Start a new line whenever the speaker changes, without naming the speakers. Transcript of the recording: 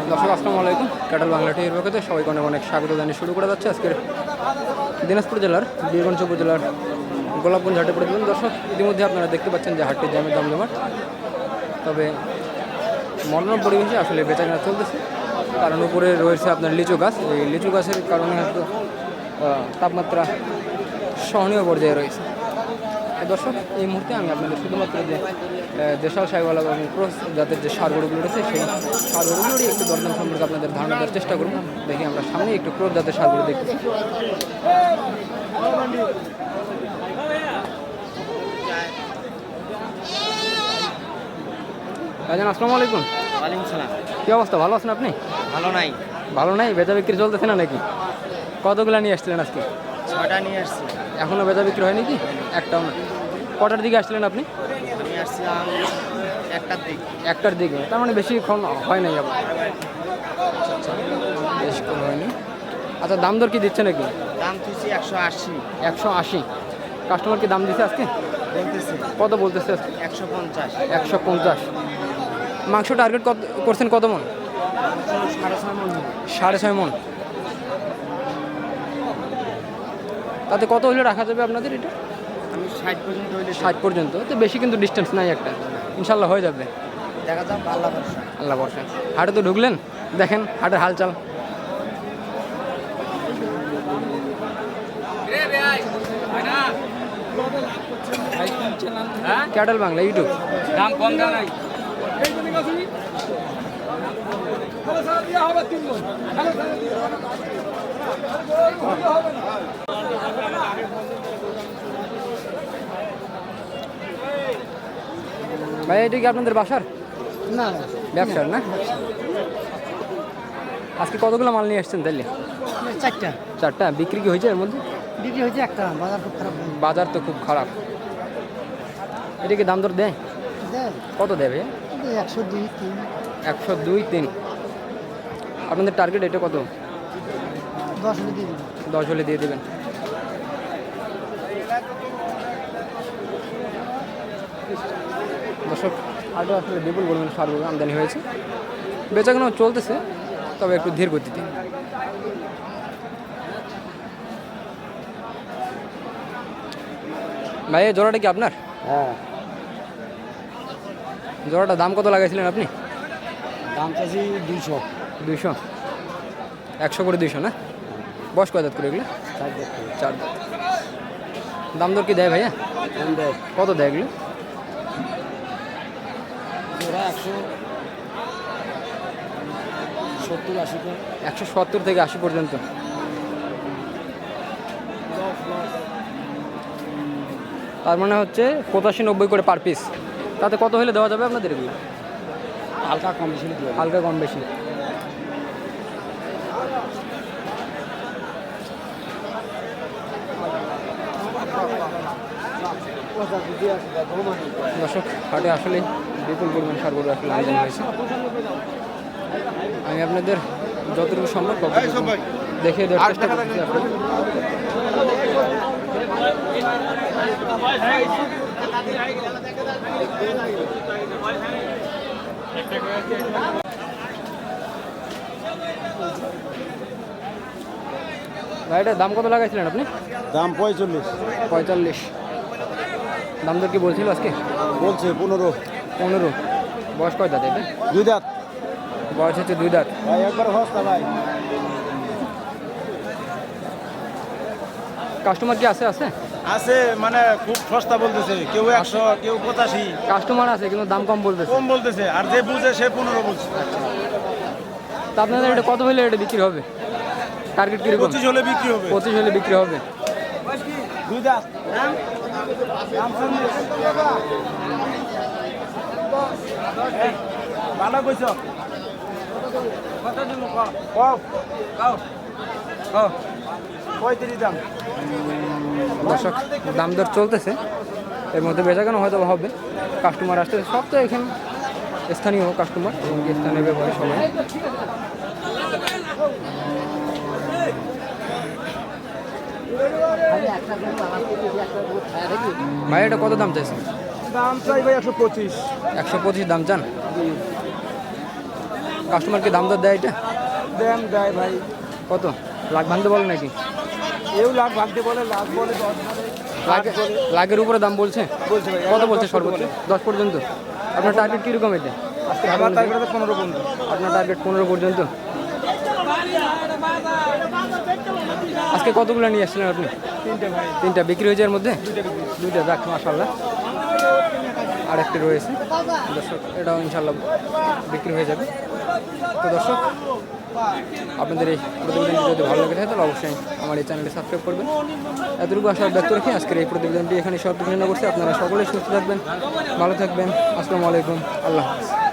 দর্শক আসসালামু আলাইকুম। ক্যাটল বাংলা টিভির পক্ষে সবাইকে অনেক অনেক স্বাগত জানিয়ে শুরু করা যাচ্ছে আজকের দিনাজপুর জেলার বীরগঞ্জ উপজেলার গোলাপগঞ্জ হাটে প্রতিদিন। দর্শক ইতিমধ্যে আপনারা দেখতে পাচ্ছেন যে হাটটির জামের জমজমাট, তবে মনোরম পরিবেশে আসলে বেচাকেনা চলতেছে, কারণ উপরে রয়েছে আপনার লিচু গাছ। এই লিচু গাছের কারণে হয়তো তাপমাত্রা সহনীয় পর্যায়ে রয়েছে। দর্শক এই মুহূর্তে আমি আপনাদের শুধুমাত্র যে দেশাল সাইওয়ালা এবং ক্রস জাতের যে সার গরুগুলো রয়েছে সেই সার গরুগুলোরই একটু দরদাম সম্পর্কে আপনাদের ধারণা দেওয়ার চেষ্টা করব। দেখি আমরা সামনে একটু ক্রস জাতের সার গরু দেখতেছি। ভাইজান আসসালামু আলাইকুম।
ওয়ালাইকুম সালাম।
কী অবস্থা, ভালো আছেন আপনি?
ভালো নাই।
ভালো নাই? বেচা বিক্রি চলতেছে না নাকি? কতগুলো নিয়ে আসছিলেন আজকে?
6টা নিয়ে আসছি।
এখনও বেচা বিক্রি হয়নি কি? একটাও না। কটার দিকে আসছিলেন আপনি?
আমি আসছিলাম 1টার দিক।
1টার দিকে, তার মানে বেশিক্ষণ হয় নাই আবার। বেশিক্ষণ হয়নি। আচ্ছা, দাম দর কি দিচ্ছে নাকি?
দাম তুইছি 180।
180। কাস্টমার কি দাম দিচ্ছে আজকে?
বলতেছি
কত বলতেছে?
150।
150। মাংস টার্গেট কত করছেন, কত মন?
6.5 মণ।
6.5 মন। তাতে কত হলে রাখা যাবে আপনাদের এটা?
আমি 60 পর্যন্ত হইলে
60 পর্যন্ত, তো বেশি কিন্তু ডিস্টেন্স নাই একটা, ইনশাল্লাহ হয়ে যাবে।
দেখা যাক, আল্লাহ ভরসা।
আল্লাহ বর্ষা। হাটে তো ঢুকলেন, দেখেন হাটের হালচাল। Cattle Bangla YouTube.
দাম কম দাম নাই।
ভাই এটা কি আপনাদের বাসার?
না,
ব্যবসার না? আজকে কতগুলো মাল নিয়ে আসছেন তাইলে?
4টা।
4টা। বিক্রি কি হয়েছে এর মধ্যে?
বিক্রি হয়েছে একটা, বাজার খুব খারাপ।
বাজার তো খুব খারাপ। এটা কি দাম দর দেয়? কত দেবে?
102, 3।
102, 3। আপনাদের টার্গেট এটা কত?
10 হলে দিয়ে দিন।
10 হলে দিয়ে দেবেন। দর্শক আরও আসলে বিপুল পরিমাণ সার গরু আমদানি হয়েছে, বেচাকেনাও চলতেছে, তবে একটু ধীর গতিতে। ভাই এই জোড়াটা কি আপনার?
হ্যাঁ।
জোড়াটা দাম কত লাগাইছিলেন আপনি?
দাম চাইছি 200।
200। 100 করে 200 না? বয়স কয় দাঁত করে এগুলো? 4 দাঁত। দাম দর কি দেয় ভাইয়া? কত দেয় এগুলো?
ওরা 170-80।
170 থেকে 80 পর্যন্ত। তার মানে হচ্ছে 85-90 করে পার পিস। তাতে কত হলে দেওয়া যাবে আপনাদের এগুলো?
হালকা কম বেশি।
হালকা কম বেশি। দর্শক হাটে আসলে বিপুল পরিমাণ সার গরু আসলে আমদানি হয়েছে। আমি আপনাদের যতটুকু সম্ভব ততটুকু দেখে দেওয়ার চেষ্টা করছি। ভাই এটার দাম কত লাগাইছিলেন আপনি?
দাম 45।
45। দাম দর কি বলছিল আজকে?
বলছে 15।
15। বয়স কয় দাঁত এটা?
2 দাঁত।
বয়স হচ্ছে 2 দাঁত।
ভাই একবার হস্তা ভাই।
কাস্টমার কি আছে?
আছে, মানে খুব সস্তা বলতেছে, কেউ 100, কেউ 85।
কাস্টমার আছে কিন্তু দাম কম বলতেছে।
কম বলতেছে, আর যে বুঝে সে 15 বলছে।
তা আপনাদের এটা কত হলে এটা বিক্রি হবে? টার্গেট কিরকম?
25 হলে বিক্রি হবে।
25 হলে বিক্রি হবে।
2 দাঁত। ভালো কইছ। কত দিব? কও 35 দাম।
দর্শক দাম দর চলতেছে, এর মধ্যে বেচাকেনা হয়তো হবে। কাস্টমার আসতেছে, সব তো এখানে স্থানীয় কাস্টমার এবং স্থানীয় ব্যবহার সবাই। ভাই এটা কত দাম চাইছেন?
দাম চাই ভাই 125।
125 দাম চান? কাস্টমারকে দাম দর দেয় এটা
দেন দেয় ভাই
কত লাখ ভাঙতে বলে নাকি
এও লাখ ভাগতে বলে লাখ বলে 10 বলে
লাখের উপরে দাম বলছে
বলছে ভাই
কত বলছে সর্বোচ্চ 10 পর্যন্ত আপনার টার্গেট কীরকম এটা আজকে
আমার টার্গেট 15 পর্যন্ত
আপনার টার্গেট 15 পর্যন্ত আজকে কতগুলো নিয়ে আসছিলেন আপনি
3টে ভাই
তিনটা বিক্রি হয়েছে এর মধ্যে দুইটা যাক মাশাআল্লাহ আর একটি রয়েছে দর্শক এটাও ইনশাআল্লাহ বিক্রি হয়ে যাবে তো দর্শক আপনাদের এই প্রতিবেদনটি যদি ভালো লেগে থাকে তাহলে অবশ্যই আমার এই চ্যানেলটি সাবস্ক্রাইব করবেন এতটুকু আশা ব্যক্ত রেখে আজকের এই প্রতিবেদনটি এখানে সমাপ্ত ঘোষণা করছি আপনারা সকলেই সুস্থ থাকবেন ভালো থাকবেন আসসালামু আলাইকুম আল্লাহ হাফেজ